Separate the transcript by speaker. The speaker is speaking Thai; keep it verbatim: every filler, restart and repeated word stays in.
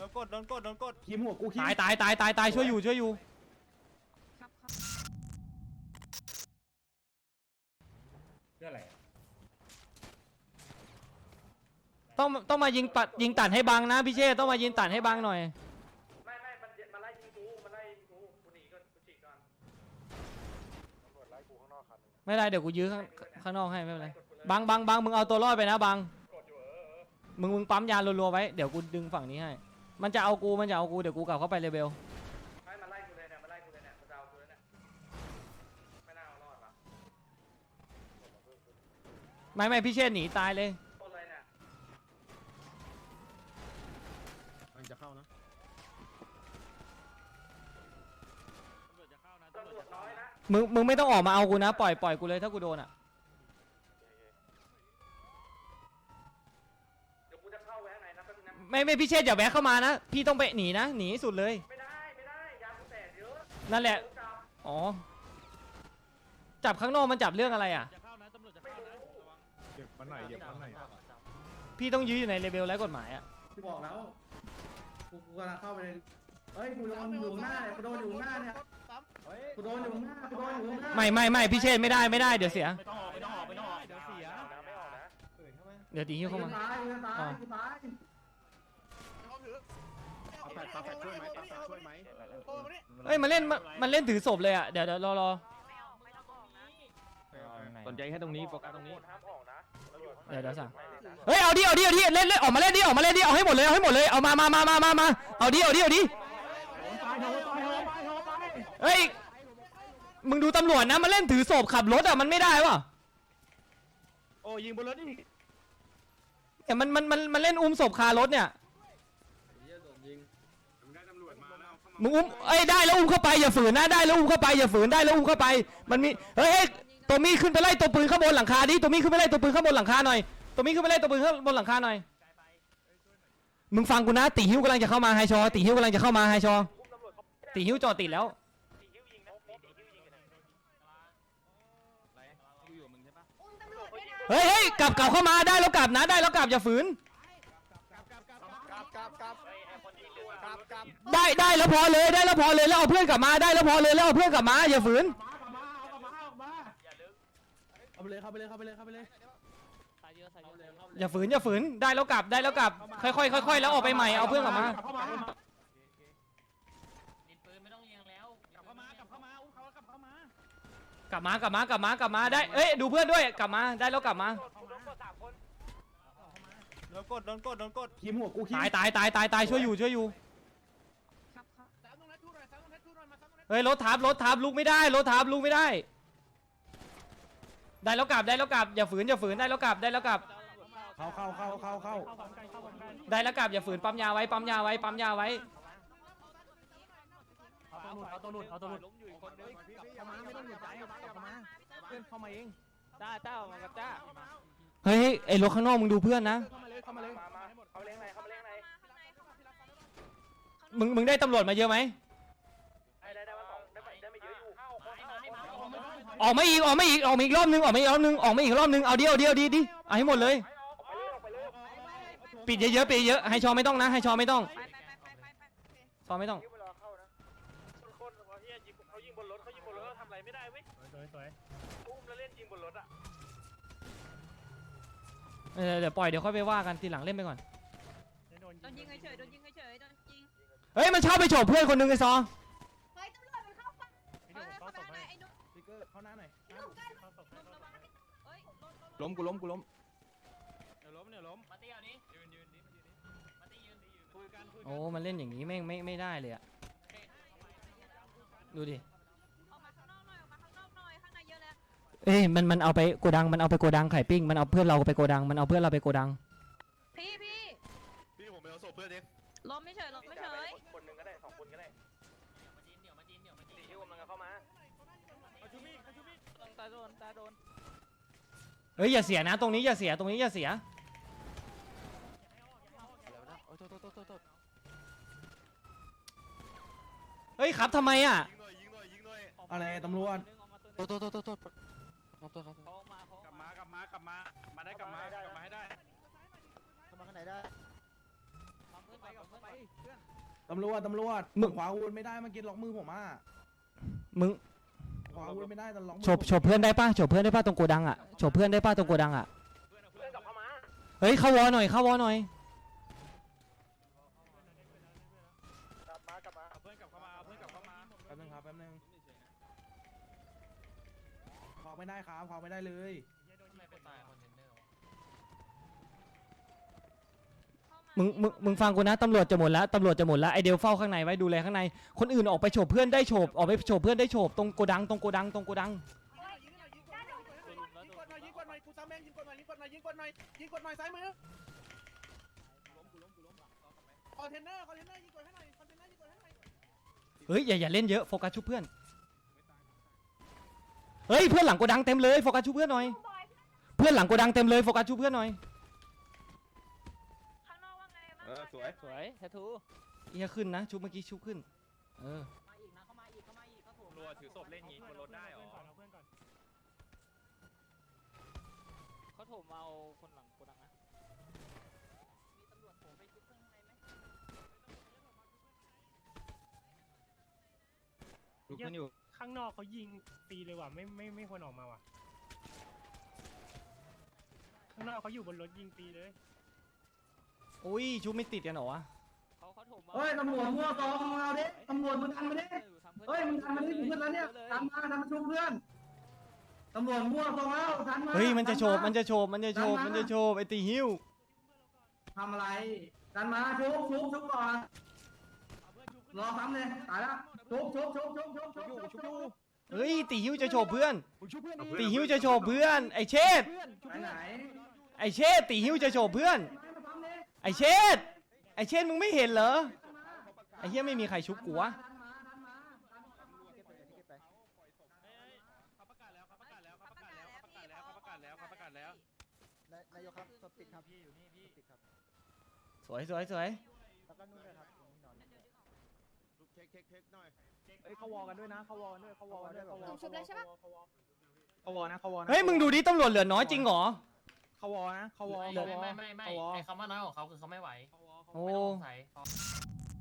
Speaker 1: นกดโดนกดโดนกด
Speaker 2: คิมหัวกูคิม
Speaker 3: ตายตายตายตายตายช่วยอยู่ช่วยอยู่เพื่ออะไรต้องต้องมายิงตัดยิงตัดให้บังนะพี่เชษต้องมายิงตัดให้บังหน่อย
Speaker 4: ไม่ไม่มันมันไล่ยิงกูมันไล่ยิงกูกูหนีก่อนกูฉีกก่อนตำรวจไล่กูข้างนอกคันนึง
Speaker 3: ไม่ได้เดี๋ยวกูยื้อข้างข้างนอกให้ไม่เป็นไรบังบังบังมึงเอาตัวรอดไปนะบังมึงมึงปั๊มยารัวๆไว้เดี๋ยวกูดึงฝั่งนี้ให้มันจะเอากูมันจะเอากูเดี๋ยวกูกลับเข้าไปเลเบล
Speaker 4: ไม่มันไล่กูเลยเนี่ยมันไล่กูเลยเนี่ยมันจะเอากูเลยเนี่ยไม่น่าเอารอดว่ะ
Speaker 3: ไม่ไม่พี่เชษหนีตายเลย
Speaker 4: ต้นอะไรเนี่ย
Speaker 2: มันจะเข้านะ
Speaker 4: ตำรวจจะเข้านะตำรวจน้อยนะ
Speaker 3: มึงมึงไม่ต้องออกมาเอากูนะปล่อยปล่อยกูเลยถ้ากูโดนอ่ะไม่ไม่พี่เชษอย่าแวะเข้ามานะพี่ต้องไปหนีนะหนีสุดเลย
Speaker 4: ไม่ได้ไม่ได้ยากูแตกเยอะ
Speaker 3: นั่นแหละอ๋อจับข้างนอกมันจับเรื่องอะไรอ่ะ
Speaker 4: จะเข้านะตำรวจจะเข้านะ
Speaker 2: เก็บมันหน่อยเก็บมันหน่อย
Speaker 3: พี่ต้องยื้ออยู่ในเลเวลไร้กฎหมายอ่ะ
Speaker 2: กูบอกแล้วกูกูกำลังเข้าไปเลยเฮ้ยกูโดนอยู่หน้าเนี่ยกูโดนอยู่หน้าเนี่ยกูโดนอยู่หน้ากูโดนอยู่หน้า
Speaker 3: ไม่ไม่ไม่พี่เชษไม่ได้ไม่ได้เดี๋ยวเสีย
Speaker 4: ไม่ต้องออกไม่ต้องออกไม่ต้องออกเดี๋ยวเสียไม่ออกนะ
Speaker 3: เดี๋ยวตีหิ้วเข้ามา
Speaker 2: ตายตายตายแปดแปดช่วยไหมแปดช่วยไหม
Speaker 3: เฮ้ยมันเล่นมันเล่นถือศพเลยอ่ะเดี๋ยวเดี๋ยวรอรอ
Speaker 2: สนใจแค่ตรงนี้โฟกัสตรงนี้
Speaker 3: เดี๋ยวเดี๋ยวสั่งเฮ้ยเอาดิเอาดิเอาดิเล่นเล่นออกมาเล่นดิออกมาเล่นดิเอาให้หมดเลยเอาให้หมดเลยเอามามามามามามาเอาดิเอาดิเอาดิเฮ้ยมึงดูตำรวจนะมันเล่นถือศพขับรถอ่ะมันไม่ได้วะ
Speaker 2: โอ้ยิงบนรถนี่
Speaker 3: แต่มันมันมันมันเล่นอุ้มศพคารถเนี่ยมึงอุ้มเอ้ยได้แล้วอุ้มเข้าไปอย่าฝืนนะได้แล้วอุ้มเข้าไปอย่าฝืนได้แล้วอุ้มเข้าไปมันมีเฮ้ยตัวมีขึ้นไปไล่ตัวปืนข้างบนหลังคาดิตัวมีขึ้นไปไล่ตัวปืนข้างบนหลังคาหน่อยตัวมีขึ้นไปไล่ตัวปืนข้างบนหลังคาหน่อยมึงฟังกูนะตีหิ้วกำลังจะเข้ามาไฮชอตีหิ้วกำลังจะเข้ามาไฮชอตีหิ้วจอดติดแล้วเฮ้ยเฮ้ยกลับกลับเข้ามาได้แล้วกลับนะได้แล้วกลับอย่าฝืนได้ได้แล้วพอเลยได้แล้วพอเลยแล้วเอาเพื่อนกลับมาได้แล้วพอเลยแล้วเอาเพื่อนกลับมาอย่าฝืน
Speaker 2: เข้าไปเลยเข้าไปเลยเข้าไปเลยเข้าไปเลย
Speaker 3: อย่าฝืนอย่าฝืนได้แล้วกลับได้แล้วกลับค่อยๆค่อยๆแล้วออกไปใหม่เอาเพื่อนกลับมากลับมากลับมากลับมากลับมาได้เอ้ยดูเพื่อนด้วยกลับมาได้แล้วกลับมา
Speaker 1: โดนกดโดนกดโดนกด
Speaker 2: คิมหัวกูคิม
Speaker 3: ตายตายตายตายตายช่วยอยู่ช่วยอยู่เฮ้ยรถทับรถทับลุกไม่ได้รถทับลุกไม่ได้ได้แล้วกลับได้แล้วกลับอย่าฝืนอย่าฝืนได้แล้วกลับได้แล้วกลับ
Speaker 2: เข้าเข้าเข้าเข้าเข้า
Speaker 3: ได้แล้วกลับอย่าฝืนปั๊มยาไว้ปั๊มยาไว้ปั๊มยาไว้
Speaker 4: เอาตัวหลุดเอาตัวหลุดล้มอยู่อีกคนนึงเข้ามาไม่ต้องหยุดใจเข้ามาเพื่อนเข้ามาเองจ้าจ้ามากับจ้า
Speaker 3: เฮ้ยไอ้รถข้างนอกมึงดูเพื่อนนะ
Speaker 4: เข้ามาเลยเข้ามาเลยมามาเข้าไปเลี้ยงไหนเข้าไปเลี้ยงไหน
Speaker 3: มึงมึงได้ตำรวจมาเยอะไหม
Speaker 4: ได้ได้ได้มาสองได้ได้ไม่เยอะอยู่
Speaker 3: ออกมาอีกออกมาอีกออกมาอีกรอบนึงออกมาอีกรอบนึงออกมาอีกรอบนึงเอาเดียวเดียวดีดิเอาให้หมดเลยปิดเยอะๆปิดเยอะให้ชอไม่ต้องนะให้ชอไม่ต้องชอไม่ต้อง
Speaker 4: เขายิงบนรถเขายิงบนรถทำอะไรไม่ได้เว้ยสวยๆอุ้มแล้วเล่นยิงบนรถอ่ะ
Speaker 3: เดี๋ยวปล่อยเดี๋ยวค่อยไปว่ากันทีหลังเล่นไปก่อน
Speaker 5: โดนยิงเฉยโดนยิงเฉยโดนยิง
Speaker 3: เฮ้ยมันชอบไปโฉบเพื่อนคนนึงไอ้ซอ
Speaker 5: เฮ้ยตำรวจมันเข้าฝั่งเฮ้ยเข้าหน้าหน่อยไอ้นุ๊ก
Speaker 2: สติ๊กเกอร์เข้าหน้าหน่อย
Speaker 5: ล้มกูล้มกูล้ม
Speaker 4: เดี๋ยวล้มเดี๋ยวล้มมาตีเอานี้ยืนยืนดิมาตียืนคุยกันคุยกัน
Speaker 3: โอ้มันเล่นอย่างนี้ไม่ไม่ไม่ได้เลยอะดูดิ
Speaker 5: ออกมาข้างนอกหน่อยออกมาข้างนอกหน่อยข้างในเยอะแล้ว
Speaker 3: เอ้ยมันมันเอาไปโกดังมันเอาไปโกดังไข่ปิ้งมันเอาเพื่อนเราไปโกดังมันเอาเพื่อนเราไปโกดัง
Speaker 5: พี่พี่
Speaker 4: พี่ผมไปเอาศพเพื่อนเอง
Speaker 5: ล้มไม่เฉยล้มไม่เฉย
Speaker 4: คนหนึ่งก็ได้สองคนก็ได้มาจีนเดี๋ยวมาจีนเดี๋ยวมาจีนตีฮิวมันเข้ามาเขาชูมีเขาชูมีตาโดนตาโดน
Speaker 3: เฮ้ยอย่าเสียนะตรงนี้อย่าเสียตรงนี้อย่าเสียเฮ้ยครับทำไมอ่ะ
Speaker 2: อะไรตำรวจ
Speaker 4: โทษโทษโทษโทษโทษครับโทษครับกลับมากลับมากลับมามาได้กลับมากลับมาให้ได้
Speaker 2: เข้ามาข้างไหนได้ตำรวจตำรวจ
Speaker 3: มึง
Speaker 2: ขวาอาวุธไม่ได้เมื่อกี้ล็อกมือผมอ่ะ
Speaker 3: มึง
Speaker 2: ขวาอาวุธไม่ได้แต่ล็อกมือ
Speaker 3: โฉบโฉบเพื่อนได้ป่ะโฉบเพื่อนได้ป่ะตรงโกดังอ่ะโฉบเพื่อนได้ป่ะตรงโกดังอ่ะ
Speaker 4: เพื่อนกลับเข้ามา
Speaker 3: เฮ้ยเข้าวอหน่อยเข้าวอหน่อย
Speaker 4: กลับมากลับมา
Speaker 1: เอาเพื่อนกลับเข้ามาเอาเพื่อนกลับเข้ามา
Speaker 2: แป๊บนึงครับแป๊บนึงขวาไม่ได้ครับขวาไม่ได้เลย
Speaker 3: มึงมึงมึงฟังกูนะตำรวจจะหมดแล้วตำรวจจะหมดแล้วไอเดียวเฝ้าข้างในไว้ดูแลข้างในคนอื่นออกไปโฉบเพื่อนได้โฉบออกไปโฉบเพื่อนได้โฉบตรงโกดังตรงโกดังตรงโกดัง
Speaker 6: ยิงกดหน่อยยิงกดหน่อยกูซ้ำเองยิงกดหน่อยยิงกดหน่อยยิงกดหน่อยยิงกดหน่อยซ้ายมือคอนเทนเนอร์คอนเทนเนอร์ยิงกดให้หน่อยคอนเทนเนอร์ยิงกดให้หน่อย
Speaker 3: เฮ้ยอย่าอย่าเล่นเยอะโฟกัสชุบเพื่อนเฮ้ยเพื่อนหลังโกดังเต็มเลยโฟกัสชุบเพื่อนหน่อยเพื่อนหลังโกดังเต็มเลยโฟกัสชุบเพื่อนหน่อย
Speaker 5: ข้างนอกว่าไงบ้าง
Speaker 1: เออสวย
Speaker 7: สวยแททู
Speaker 3: เอียขึ้นนะชุบเมื่อกี้ชุบขึ้นเออ
Speaker 1: รัวถือศพเล่นงี้บนรถได้หรอ
Speaker 7: เขาโถมเอาคนหลังโกดังนะ
Speaker 3: ชุบกันอยู่
Speaker 8: ข้างนอกเขายิงตีเลยว่ะไม่ไม่ไม่ควรออกมาว่ะข้างนอกเขาอยู่บนรถยิงตีเลย
Speaker 3: อุ้ยชุบไม่ติดกันเหรอวะ
Speaker 7: เขาเขาโถมเอา
Speaker 2: เฮ้ยตำรวจมั่วซองมาเอาดิตำรวจมึงทำมาดิเฮ้ยมึงทำมาดิเพื่อนแล้วเนี่ยทำมาทำมาชุบเพื่อนตำรวจมั่วซองแล้วทันมา
Speaker 3: เฮ้ยมันจะโฉบมันจะโฉบมันจะโฉบมันจะโฉบไอตีหิ้ว
Speaker 2: ทำอะไรทันมาชุบชุบชุบก่อนรอซ้ำเลยตายแล้วชุบชุบชุบชุบชุบชุบชุบชุบ
Speaker 3: เฮ้ยตีหิ้วจะโฉบเพื่อนตีหิ้วจะโฉบเพื่อนไอเชษ
Speaker 2: ไปไหน
Speaker 3: ไอเชษตีหิ้วจะโฉบเพื่อนไอเชษไอเชษมึงไม่เห็นเหรอไอเฮียไม่มีใครชุบกูวะ
Speaker 1: เขาประกาศแล้วเขาประกาศแล้วเขาประกาศแล้วเขาประกาศแล้วเขาประกาศแล้วเขาประกาศแล้ว
Speaker 6: นายกครับสปิดครับพี่อยู่นี่พี่สปิดครับ
Speaker 3: สวยสวยสวย
Speaker 6: แล้วก็นู่นเลยครับนอน
Speaker 1: เช็คเช็คเช็คหน่อย
Speaker 6: เอ้ยเขาวอกันด้วยนะเขาวอกันด้วยเขาวอกันด้วยเขาวอ
Speaker 5: ชุบเลยใช่ปะ
Speaker 6: เขาวอนะเขาวอนะ
Speaker 3: เฮ้ยมึงดูดิตำรวจเหลือน้อยจริงเหรอ
Speaker 6: เขาวอนะเขาวอ
Speaker 7: ไม่ไม่ไม่ไม่ไอคำว่าน้อยของเขาคือเขาไม่ไหว
Speaker 3: โอ้
Speaker 7: ไม่ต้องสงสัย